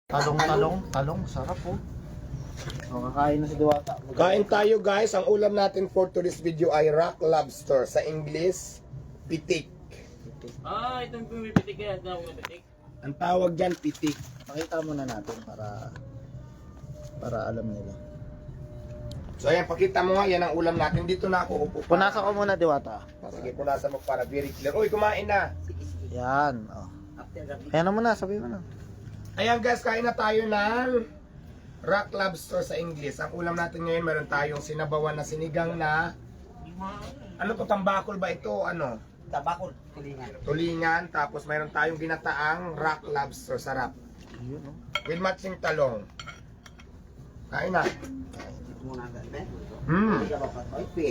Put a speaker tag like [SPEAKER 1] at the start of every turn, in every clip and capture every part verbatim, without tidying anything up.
[SPEAKER 1] Talong, talong, talong. Sarap po. Oh, kakain na si Diwata.
[SPEAKER 2] Kain tayo guys. Ang ulam natin for today's video ay rock lobster. Sa English, pitik.
[SPEAKER 3] Ah, itong pumipitik yan. Ito na pumipitik.
[SPEAKER 2] Ang tawag dyan, pitik.
[SPEAKER 1] Pakita muna natin para para alam nila.
[SPEAKER 2] So ayan, pakita mo nga, yan ang ulam natin. Dito na ako upo.
[SPEAKER 1] Punasan ko muna, Diwata.
[SPEAKER 2] Sige, punasan mo para very clear. Uy, kumain na.
[SPEAKER 1] Yan. Oh. Ayan na muna, sabi mo na.
[SPEAKER 2] Ayan guys, kain na tayo ng rock lobster sa English. Ang ulam natin ngayon, meron tayong sinabawan na sinigang na ano to, tambakol ba ito? Ano?
[SPEAKER 4] Tabakol, tulingan.
[SPEAKER 2] Tulingan. Tapos meron tayong ginataang rock lobster. Sarap.
[SPEAKER 1] Yun, oh.
[SPEAKER 2] With matching talong. Kain na.
[SPEAKER 4] Dito muna agad, eh.
[SPEAKER 2] Hmm.
[SPEAKER 4] Ay, pi.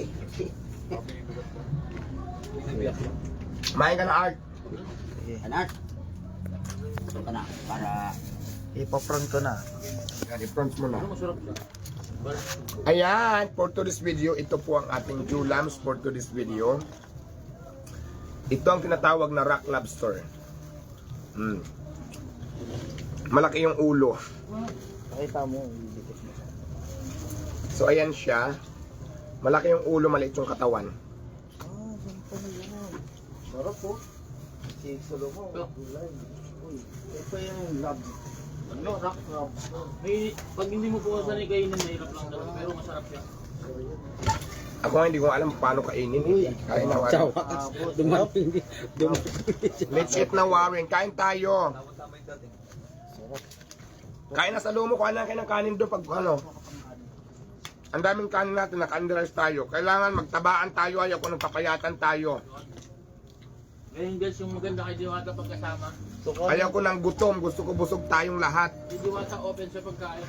[SPEAKER 2] Kumain ka na, Art.
[SPEAKER 1] Sige.
[SPEAKER 4] Anak. Ito ka na, para...
[SPEAKER 1] Ipa-front ko na.
[SPEAKER 2] Yan, i-front mo na.
[SPEAKER 3] Ano masarap siya?
[SPEAKER 2] Ayan, for today's video, ito po ang ating julams for today's video. Ito ang tinatawag na rock lobster. Hmm. Malaki yung ulo.
[SPEAKER 1] Pakita mo, ibigit mo.
[SPEAKER 2] So ayan siya. Malaki yung ulo, maliit yung katawan.
[SPEAKER 1] Ah, ganito na yan. Sarap po. Si Solo mo, gulay. Uy, ito yung lab. Ano, rock lobster.
[SPEAKER 3] May, pag hindi mo po sanay kainin, mahirap lang talaga. Pero masarap siya.
[SPEAKER 2] Ako nga hindi ko alam paano kainin. Kain na, Warren.
[SPEAKER 1] Dumating.
[SPEAKER 2] Let's eat na, Warren. Kain tayo.
[SPEAKER 1] Sarap.
[SPEAKER 2] Kain na sa lumo. Kuha na kayo ng kanin doon pag ano. Ang daming kanin natin, naka-underize tayo. Kailangan magtabaan tayo, ayaw ko nagpapayatan tayo.
[SPEAKER 3] Ngayon guys, yung maganda kay Diwata pagkasama.
[SPEAKER 2] Ayaw ko ng gutom, gusto ko busog tayong lahat.
[SPEAKER 3] Si Diwata open sa pagkain.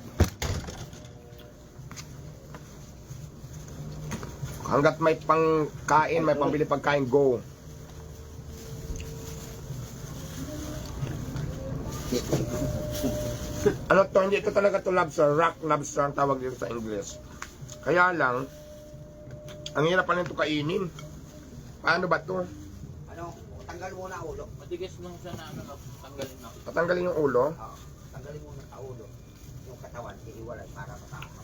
[SPEAKER 2] Hanggat may pangkain, may pambili pagkain, go. Ano to, hindi ito talaga to lobster, rock lobster ang tawag dito sa English. Kaya lang, ang hirap pa nito kainin. Paano ba to?
[SPEAKER 4] Ano, tanggal muna ang ulo.
[SPEAKER 3] Matigas lang siya na ano, tanggalin na.
[SPEAKER 2] Tatanggalin yung ulo.
[SPEAKER 4] Oo, tanggalin muna ang ulo. Yung katawan, iiwalay para matama.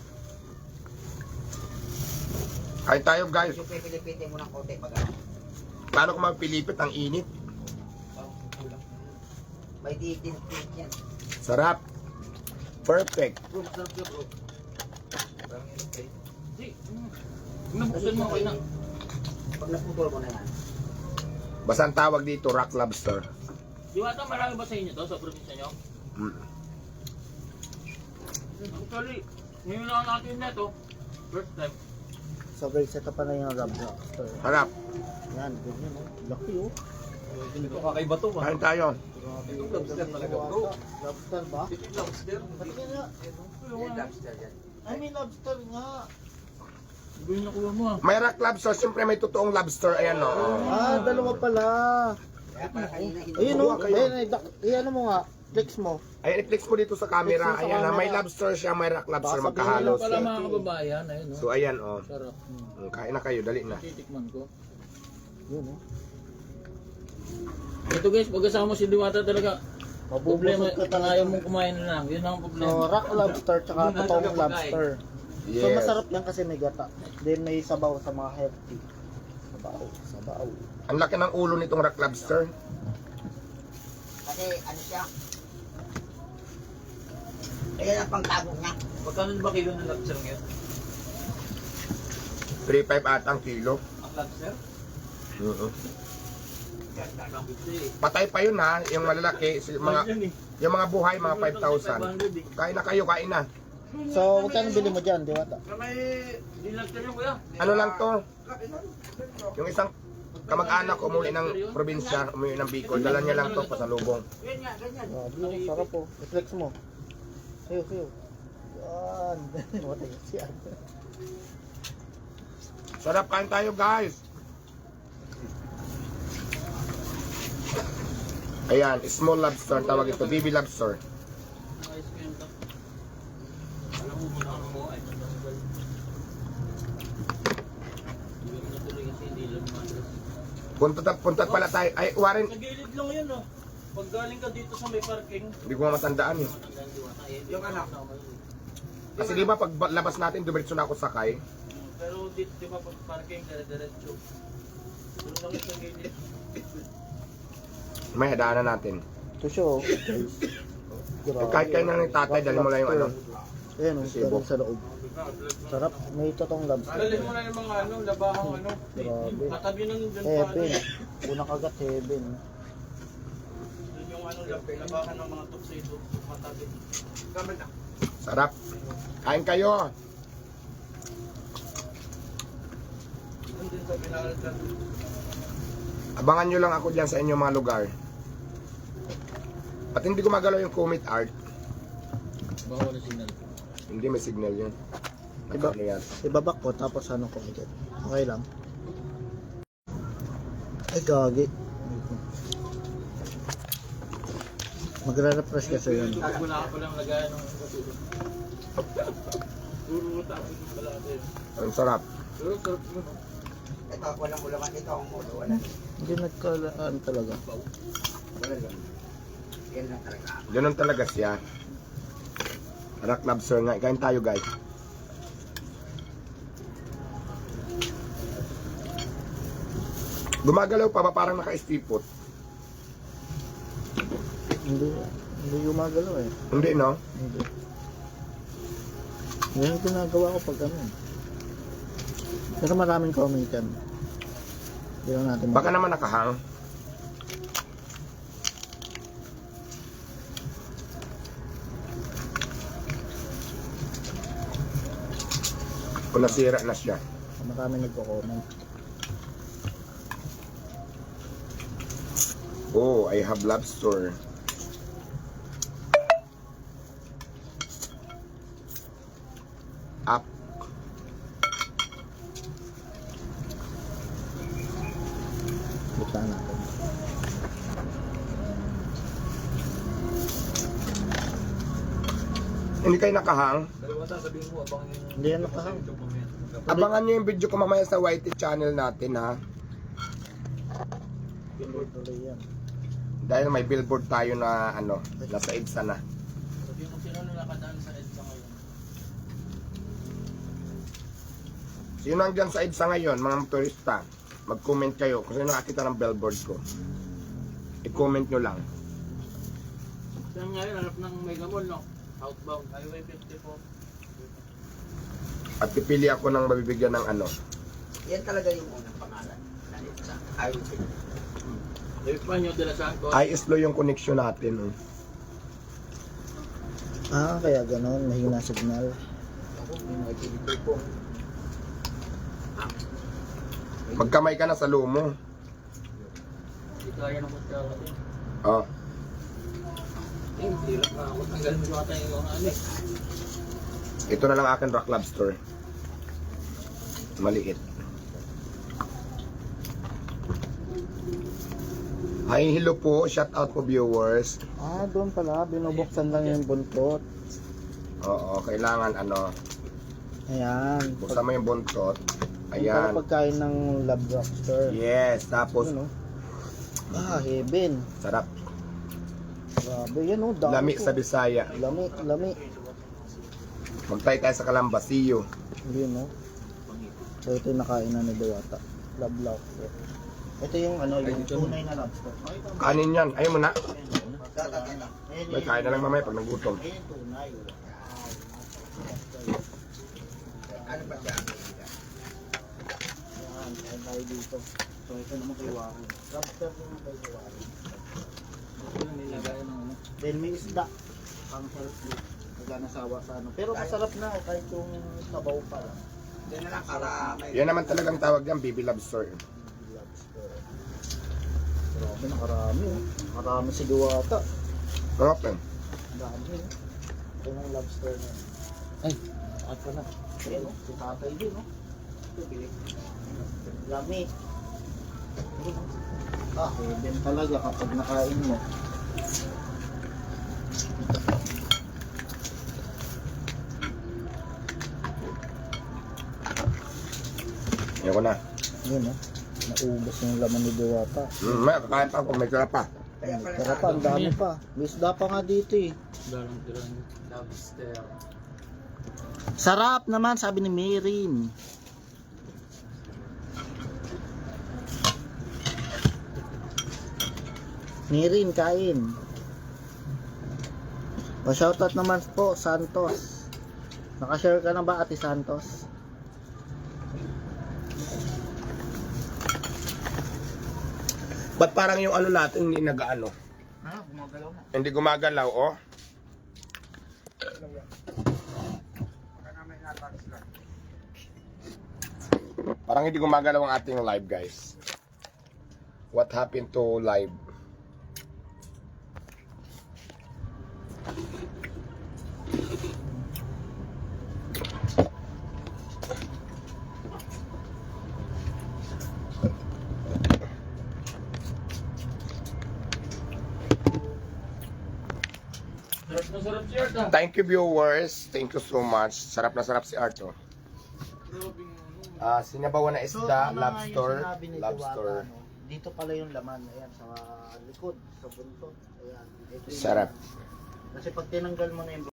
[SPEAKER 2] Kain tayo guys.
[SPEAKER 4] Yung pipilipitin mo ng konti pag ano.
[SPEAKER 2] Paano kung magpilipit ang init?
[SPEAKER 4] May diitin yan.
[SPEAKER 2] Sarap. Perfect.
[SPEAKER 3] Bro, masarap siya bro. Si, mm. Nabuksan mo kayo na.
[SPEAKER 4] Pag naputol mo na yan.
[SPEAKER 2] Basta ang tawag dito, rock lobster.
[SPEAKER 3] Diwata, marami ba sa inyo to? Sa probinsya nyo?
[SPEAKER 2] Mm.
[SPEAKER 3] Actually, ngayon lang natin na to. First time.
[SPEAKER 1] So guys, ito pa na yung rock lobster.
[SPEAKER 2] Sarap.
[SPEAKER 1] Yan, ganyan oh. Laki oh.
[SPEAKER 3] Hindi ko kakaiba to ba?
[SPEAKER 2] Kain tayo.
[SPEAKER 1] Itong lobster talaga bro. Lobster ba?
[SPEAKER 3] Lobster.
[SPEAKER 1] Patingin nga.
[SPEAKER 4] Yan, lobster yan.
[SPEAKER 1] Ay, may lobster nga.
[SPEAKER 3] Hindi yung nakuha mo ah.
[SPEAKER 2] May rock lobster, siyempre may totoong lobster. Ayan o.
[SPEAKER 1] Ah, dalawa pala.
[SPEAKER 4] Kaya para kanina hindi.
[SPEAKER 1] Ayun oh.
[SPEAKER 2] kayo.
[SPEAKER 1] Ayun, ay, dak- ayan mo nga. Flex mo.
[SPEAKER 2] Ayan, i-flex mo dito sa camera.
[SPEAKER 1] Flex mo sa
[SPEAKER 2] Ayan na, may
[SPEAKER 1] camera.
[SPEAKER 2] lobster siya, may rock lobster
[SPEAKER 1] Baka
[SPEAKER 2] magkahalos.
[SPEAKER 3] Pala mga kababayan, ayun no.
[SPEAKER 2] So ayan o.
[SPEAKER 3] Sarap.
[SPEAKER 2] Mm, kain na kayo, dali na.
[SPEAKER 3] Titikman ko.
[SPEAKER 1] Yun oh.
[SPEAKER 3] Ito guys, pagkasama mo si Diwata talaga. Problema,
[SPEAKER 1] Mabubusog ka talaga.
[SPEAKER 3] ayaw mong kumain na lang. Yun ang
[SPEAKER 1] So,
[SPEAKER 3] problema.
[SPEAKER 1] rock lobster tsaka
[SPEAKER 3] Doon na
[SPEAKER 1] totoong
[SPEAKER 3] talaga
[SPEAKER 1] lobster.
[SPEAKER 2] Yes.
[SPEAKER 1] So, masarap yan kasi may gata. Then, may sabaw sa mga healthy. Sabaw, sabaw.
[SPEAKER 2] Ang laki ng ulo nitong rock lobster.
[SPEAKER 4] Kasi ano siya. Ayan ang pangtago niya.
[SPEAKER 3] Pagkano ba kilo ng lobster ngayon?
[SPEAKER 2] three five ata ang kilo.
[SPEAKER 3] Ang lobster?
[SPEAKER 2] Oo.
[SPEAKER 3] Yan, kakabiti eh.
[SPEAKER 2] Patay pa yun ha, yung malalaki, si- mga, yung mga buhay, mga five thousand. Kain na kayo, kain na.
[SPEAKER 1] So, magkano bili mo dyan, Diwata?
[SPEAKER 3] May di lobster yung kuya.
[SPEAKER 2] Ano lang to? Yung isang kamag-anak umuwi ng probinsya, umuwi ng Bicol, dala niya lang to pasalubong.
[SPEAKER 3] Yan nga, ganyan.
[SPEAKER 1] Grabe, oh, sarap po. I-flex mo. Sayo, sayo. Yan. Matay siya.
[SPEAKER 2] Sarap, kain tayo guys. Ayan, small lobster, tawag ito, baby lobster.
[SPEAKER 3] Ice cream to. Alam mo muna ano mo ay. Hindi mo natuloy kasi hindi lang madras.
[SPEAKER 2] Punta, punta pala tayo. Ay, Warren,
[SPEAKER 3] Sa gilid lang yan oh. Pag galing ka dito sa may parking,
[SPEAKER 2] Hindi ko nga matandaan eh.
[SPEAKER 4] Yung anak.
[SPEAKER 2] Kasi di ba pag labas natin, dumiretso na ako sakay.
[SPEAKER 3] pero dito, di ba pag parking, dire-diretso. Doon lang sa gilid.
[SPEAKER 2] May hadaanan natin.
[SPEAKER 1] Ito siya oh.
[SPEAKER 2] Eh, kahit kayo na ng tatay, dali mo lang yung ano.
[SPEAKER 1] Ayan oh,
[SPEAKER 2] Sibo.
[SPEAKER 1] galing sa loob. Sarap. May totoong lobster.
[SPEAKER 3] Dalhin mo na yung mga ano, labahang ano.
[SPEAKER 1] Grabe.
[SPEAKER 3] Katabi ng dun pa ano.
[SPEAKER 1] Heaven. Unang kagat heaven.
[SPEAKER 3] Dun yung ano, lab- labahan ng mga tuxedo. Katabi.
[SPEAKER 4] Kaman na.
[SPEAKER 2] Sarap. Kain kayo.
[SPEAKER 3] Dun din sa pinakalat.
[SPEAKER 2] Abangan nyo lang ako dyan sa inyong mga lugar. At hindi ko magalaw yung commit art.
[SPEAKER 3] Baka wala signal.
[SPEAKER 2] Hindi may signal yun.
[SPEAKER 1] Iba,
[SPEAKER 2] Nakano yan.
[SPEAKER 1] ibabak ko tapos ano ko agad. Okay lang. Ay gagi. Magre-refresh kasi yun.
[SPEAKER 3] Pag wala ka palang lagayan ng katulog. Puro tapos yung pala natin.
[SPEAKER 2] Ang sarap.
[SPEAKER 3] Pero sarap mo no?
[SPEAKER 4] Ito, walang ulaman. Ito ang mulo. Wala.
[SPEAKER 1] Hindi nagkalaan talaga.
[SPEAKER 4] Wala lang. Yan lang talaga.
[SPEAKER 2] Ganun talaga siya. Rock lobster nga. Kain tayo guys. Gumagalaw pa ba parang naka-stipot?
[SPEAKER 1] Hindi, hindi gumagalaw eh.
[SPEAKER 2] Hindi no?
[SPEAKER 1] Hindi. Yan ang ginagawa ko pag ano. Pero maraming comment yan. Hindi lang natin
[SPEAKER 2] Baka naman nakahang. O nasira na siya.
[SPEAKER 1] Maraming nagko-comment.
[SPEAKER 2] Oh, I have lobster. Up.
[SPEAKER 1] Buksan natin.
[SPEAKER 2] Hindi kayo nakahang.
[SPEAKER 1] Hindi yan nakahang.
[SPEAKER 2] Abangan nyo yung video ko mamaya sa Y T channel natin ha.
[SPEAKER 1] Tuloy-tuloy yan.
[SPEAKER 2] Dahil may billboard tayo na ano, nasa EDSA na.
[SPEAKER 3] Sabi kung sino na nakadaan sa EDSA ngayon.
[SPEAKER 2] Sino ang dyan sa EDSA ngayon, mga motorista? Mag-comment kayo kung sino nakakita ng billboard ko. I-comment nyo lang.
[SPEAKER 3] Saan ngayon, hanap ng Mega Mall, no? Outbound, Highway fifty-four.
[SPEAKER 2] At pipili ako ng mabibigyan ng ano.
[SPEAKER 4] Yan talaga yung unang pangalan. Nalit sa Highway fifty.
[SPEAKER 3] Espanyo de la Santos.
[SPEAKER 2] Ay, slow yung connection natin. Oh.
[SPEAKER 1] Ah, kaya ganon. Mahina signal.
[SPEAKER 4] Ako, may mga delivery po.
[SPEAKER 2] Magkamay ka na sa lumo.
[SPEAKER 3] Hindi kaya ng kutsara din.
[SPEAKER 2] Oh.
[SPEAKER 3] Eh, hirap na ako. Tanggalin mo yata yung mga ano eh.
[SPEAKER 2] Ito na lang akin rock lobster. Maliit. Hi, hello po. Shout out po viewers.
[SPEAKER 1] Ah, doon pala. Binubuksan lang yung buntot.
[SPEAKER 2] Oo, kailangan ano,
[SPEAKER 1] Ayan.
[SPEAKER 2] buksan mo yung buntot.
[SPEAKER 1] Yung
[SPEAKER 2] Ayan.
[SPEAKER 1] pala pagkain ng lab lobster.
[SPEAKER 2] Yes, tapos
[SPEAKER 1] Yun, oh. Ah, heaven.
[SPEAKER 2] sarap.
[SPEAKER 1] Grabe yan oh. Dami
[SPEAKER 2] Lami
[SPEAKER 1] po.
[SPEAKER 2] sa Bisaya.
[SPEAKER 1] Lami, lami.
[SPEAKER 2] Magtay tayo sa Calamba. See you.
[SPEAKER 1] Yun oh. So ito yung nakain na ni Diwata. Lab lobster. Ito yung ano, yung tunay na lobster.
[SPEAKER 2] Kanin yan. Ayaw mo na.
[SPEAKER 4] Tatagin na.
[SPEAKER 1] Ayan,
[SPEAKER 2] May kain na lang mamaya pag nagutom.
[SPEAKER 1] Ayan yung tunay.
[SPEAKER 4] Ano ba siya?
[SPEAKER 1] Yan, kain tayo dito. So ito naman kay Warren. Lobster naman kay Warren.
[SPEAKER 3] Ito yung nilagay ng ano.
[SPEAKER 1] Then may isda. Pang healthy. Naganasawa sa ano. Pero masarap na oh, kahit yung sabaw pa lang.
[SPEAKER 4] Yan na lang para may...
[SPEAKER 2] Yan naman talagang tawag yan, baby lobster.
[SPEAKER 1] Lobster. Grabe, nakarami oh. Nakarami si Diwata.
[SPEAKER 2] Sarap yan.
[SPEAKER 1] Ang dami oh. Ito yung lobster na yun. Ay, at pa na. Ayan oh, si tatay din oh. Lami. Ayun, oh. Ah, heaven talaga kapag nakain mo.
[SPEAKER 2] Yan ko na.
[SPEAKER 1] Yun oh. Naubos yung laman ni Diwata.
[SPEAKER 2] Mm, may kakain pa kung may sarap pa.
[SPEAKER 4] Kaya pala
[SPEAKER 1] Tara pa, ang dami pa. May isda pa nga dito eh.
[SPEAKER 3] Dalang tirang.
[SPEAKER 4] lobster.
[SPEAKER 1] Sarap naman, sabi ni Mirin. Mirin, kain. Pa-shoutout naman po, Santos. Nakashare ka na ba, Ate Santos?
[SPEAKER 2] Ba't parang yung ano natin hindi nag-ano?
[SPEAKER 4] Ah, gumagalaw na.
[SPEAKER 2] Hindi gumagalaw, oh.
[SPEAKER 4] Baka namin natalis lang.
[SPEAKER 2] Parang hindi gumagalaw ang ating live, guys. What happened to live?
[SPEAKER 3] Sarap na sarap si Art ah.
[SPEAKER 2] Thank you, viewers. Thank you so much. Sarap na sarap si Arto. Ah, sinabawan na isda,
[SPEAKER 1] ano nga yung
[SPEAKER 2] lobster,
[SPEAKER 1] sinabi ni
[SPEAKER 2] lobster.
[SPEAKER 1] Diwata, no? Dito pala yung laman, ayan, sa likod, sa buntot. Ayan. Ito yung
[SPEAKER 2] Sarap.
[SPEAKER 1] laman. Kasi pag tinanggal mo na yung